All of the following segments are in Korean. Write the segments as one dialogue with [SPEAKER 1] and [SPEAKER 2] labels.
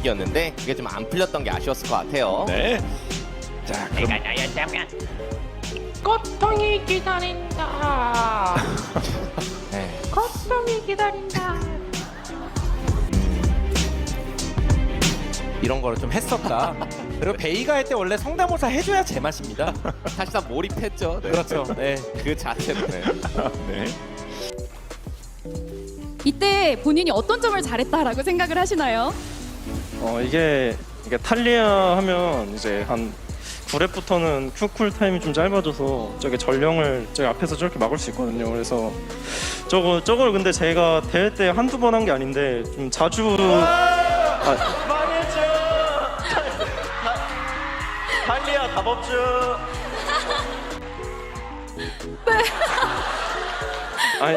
[SPEAKER 1] 분위기였는데 그게 좀 안 풀렸던 게 아쉬웠을 것 같아요.
[SPEAKER 2] 네. 자, 그럼
[SPEAKER 3] 내가 나였다면 고통이 기다린다.
[SPEAKER 1] 네.
[SPEAKER 3] 고통이 기다린다.
[SPEAKER 2] 이런 거를 좀 했었다. 그리고 베이가 할 때 원래 성대모사 해줘야 제맛입니다.
[SPEAKER 1] 사실상 몰입했죠. 네.
[SPEAKER 2] 그렇죠. 네.
[SPEAKER 1] 그 자체로. 네.
[SPEAKER 2] 네.
[SPEAKER 4] 이때 본인이 어떤 점을 잘했다라고 생각을 하시나요?
[SPEAKER 5] 이게 탈리아 하면 이제 한 9랩부터는 큐쿨 타임이 좀 짧아져서 저게 전령을 저기 앞에서 저렇게 막을 수 있거든요. 그래서 저걸 근데 제가 대회 때 한두 번 한 게 아닌데 좀 자주 망했죠. 탈리아 답업주. 아니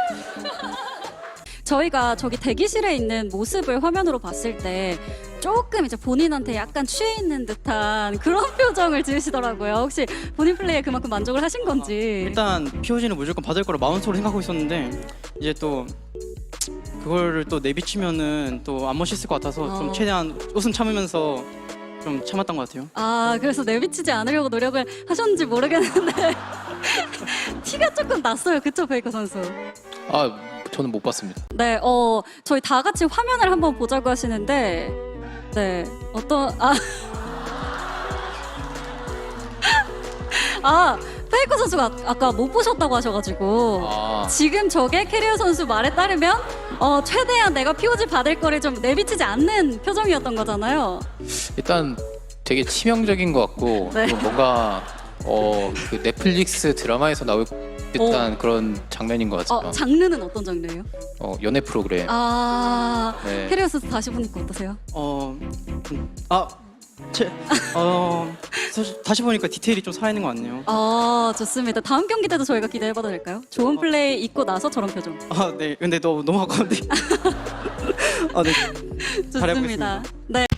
[SPEAKER 6] 저희가 저기 대기실에 있는 모습을 화면으로 봤을 때 조금 이제 본인한테 약간 취해 있는 듯한 그런 표정을 지으시더라고요. 혹시 본인 플레이에 그만큼 만족을 하신 건지.
[SPEAKER 7] 일단 POG는 무조건 받을 거라 마음속으로 생각하고 있었는데 이제 또 그거를 또 내비치면은 또 안 멋있을 것 같아서 좀 최대한 웃음 참으면서 좀 참았던 것 같아요.
[SPEAKER 6] 아, 그래서 내비치지 않으려고 노력을 하셨는지 모르겠는데 티가 조금 났어요. 그쵸, 베이커 선수?
[SPEAKER 8] 아, 저는 못 봤습니다.
[SPEAKER 6] 네, 저희 다 같이 화면을 한번 보자고 하시는데 네, 페이커 선수가 아까 못 보셨다고 하셔가지고
[SPEAKER 8] 아,
[SPEAKER 6] 지금 저게 캐리어 선수 말에 따르면 최대한 내가 POG 받을 거를 좀 내비치지 않는 표정이었던 거잖아요.
[SPEAKER 8] 일단 되게 치명적인 것 같고
[SPEAKER 6] 네.
[SPEAKER 8] 또 뭔가 그 넷플릭스 드라마에서 나올 듯한 그런 장면인 것 같아요.
[SPEAKER 6] 장르는 어떤 장르예요?
[SPEAKER 8] 연애 프로그램. 네.
[SPEAKER 6] 캐리어 선수 다시 보니까 어떠세요?
[SPEAKER 7] 사실 다시 보니까 디테일이 좀 살아있는 것 같네요.
[SPEAKER 6] 좋습니다. 다음 경기 때도 저희가 기대해봐도 될까요? 좋은 플레이 있고 나서 저런 표정.
[SPEAKER 7] 네. 근데 너무 아까운데. 네.
[SPEAKER 6] 좋습니다. 네.